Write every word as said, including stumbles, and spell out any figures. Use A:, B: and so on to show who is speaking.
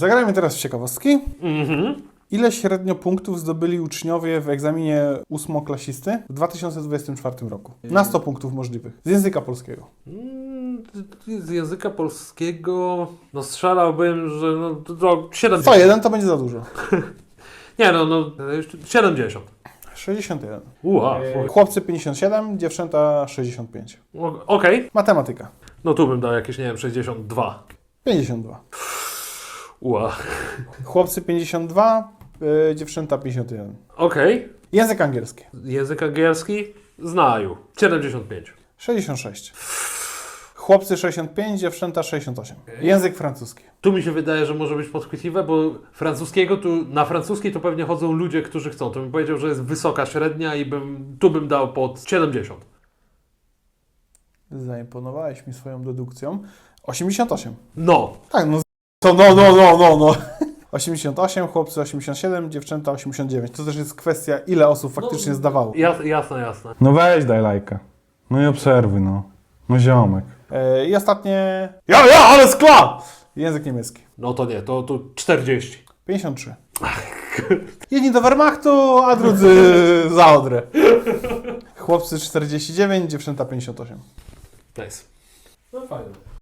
A: Zagrajmy teraz w ciekawostki.
B: Mhm.
A: Ile średnio punktów zdobyli uczniowie w egzaminie ósmoklasisty w dwa tysiące dwudziestym czwartym roku? Na sto punktów możliwych. Z języka polskiego.
B: Mm, Z języka polskiego, no strzelałbym, że no, to, to siedemdziesiąt.
A: sto jeden to będzie za dużo.
B: Nie no, no siedemdziesiąt.
A: sześćdziesiąt jeden.
B: Ua,
A: Chłopcy pięćdziesiąt siedem, dziewczęta sześćdziesiąt pięć.
B: o- okej.
A: Matematyka.
B: No tu bym dał jakieś, nie wiem, sześćdziesiąt dwa.
A: pięćdziesiąt dwa.
B: Ua.
A: Chłopcy pięćdziesiąt dwa, yy, dziewczęta pięćdziesiąt jeden.
B: Okej.
A: Język angielski.
B: Język angielski? Znaju. siedemdziesiąt pięć.
A: sześćdziesiąt sześć. Chłopcy sześćdziesiąt pięć, dziewczęta sześćdziesiąt osiem. Język francuski.
B: Tu mi się wydaje, że może być podchwytliwe, bo francuskiego tu, na francuski to pewnie chodzą ludzie, którzy chcą. To bym powiedział, że jest wysoka średnia i bym, tu bym dał pod siedemdziesiąt.
A: Zaimponowałeś mi swoją dedukcją. osiemdziesiąt osiem.
B: No.
A: Tak, no to no, no, no, no, no. osiemdziesiąt osiem, chłopcy osiemdziesiąt siedem, dziewczęta osiemdziesiąt dziewięć. To też jest kwestia, ile osób faktycznie
B: No,
A: zdawało.
B: Jas, jasne, jasne.
C: No weź daj lajka. No i obserwuj, no. No ziomek.
A: E, I ostatnie... Ja, ja, ale skla! Język niemiecki.
B: No to nie, to, to czterdzieści.
A: pięćdziesiąt trzy. Jedni do Wehrmachtu, a drudzy za Odrę. Chłopcy czterdzieści dziewięć, dziewczęta pięćdziesiąt osiem.
B: Nice. No fajnie.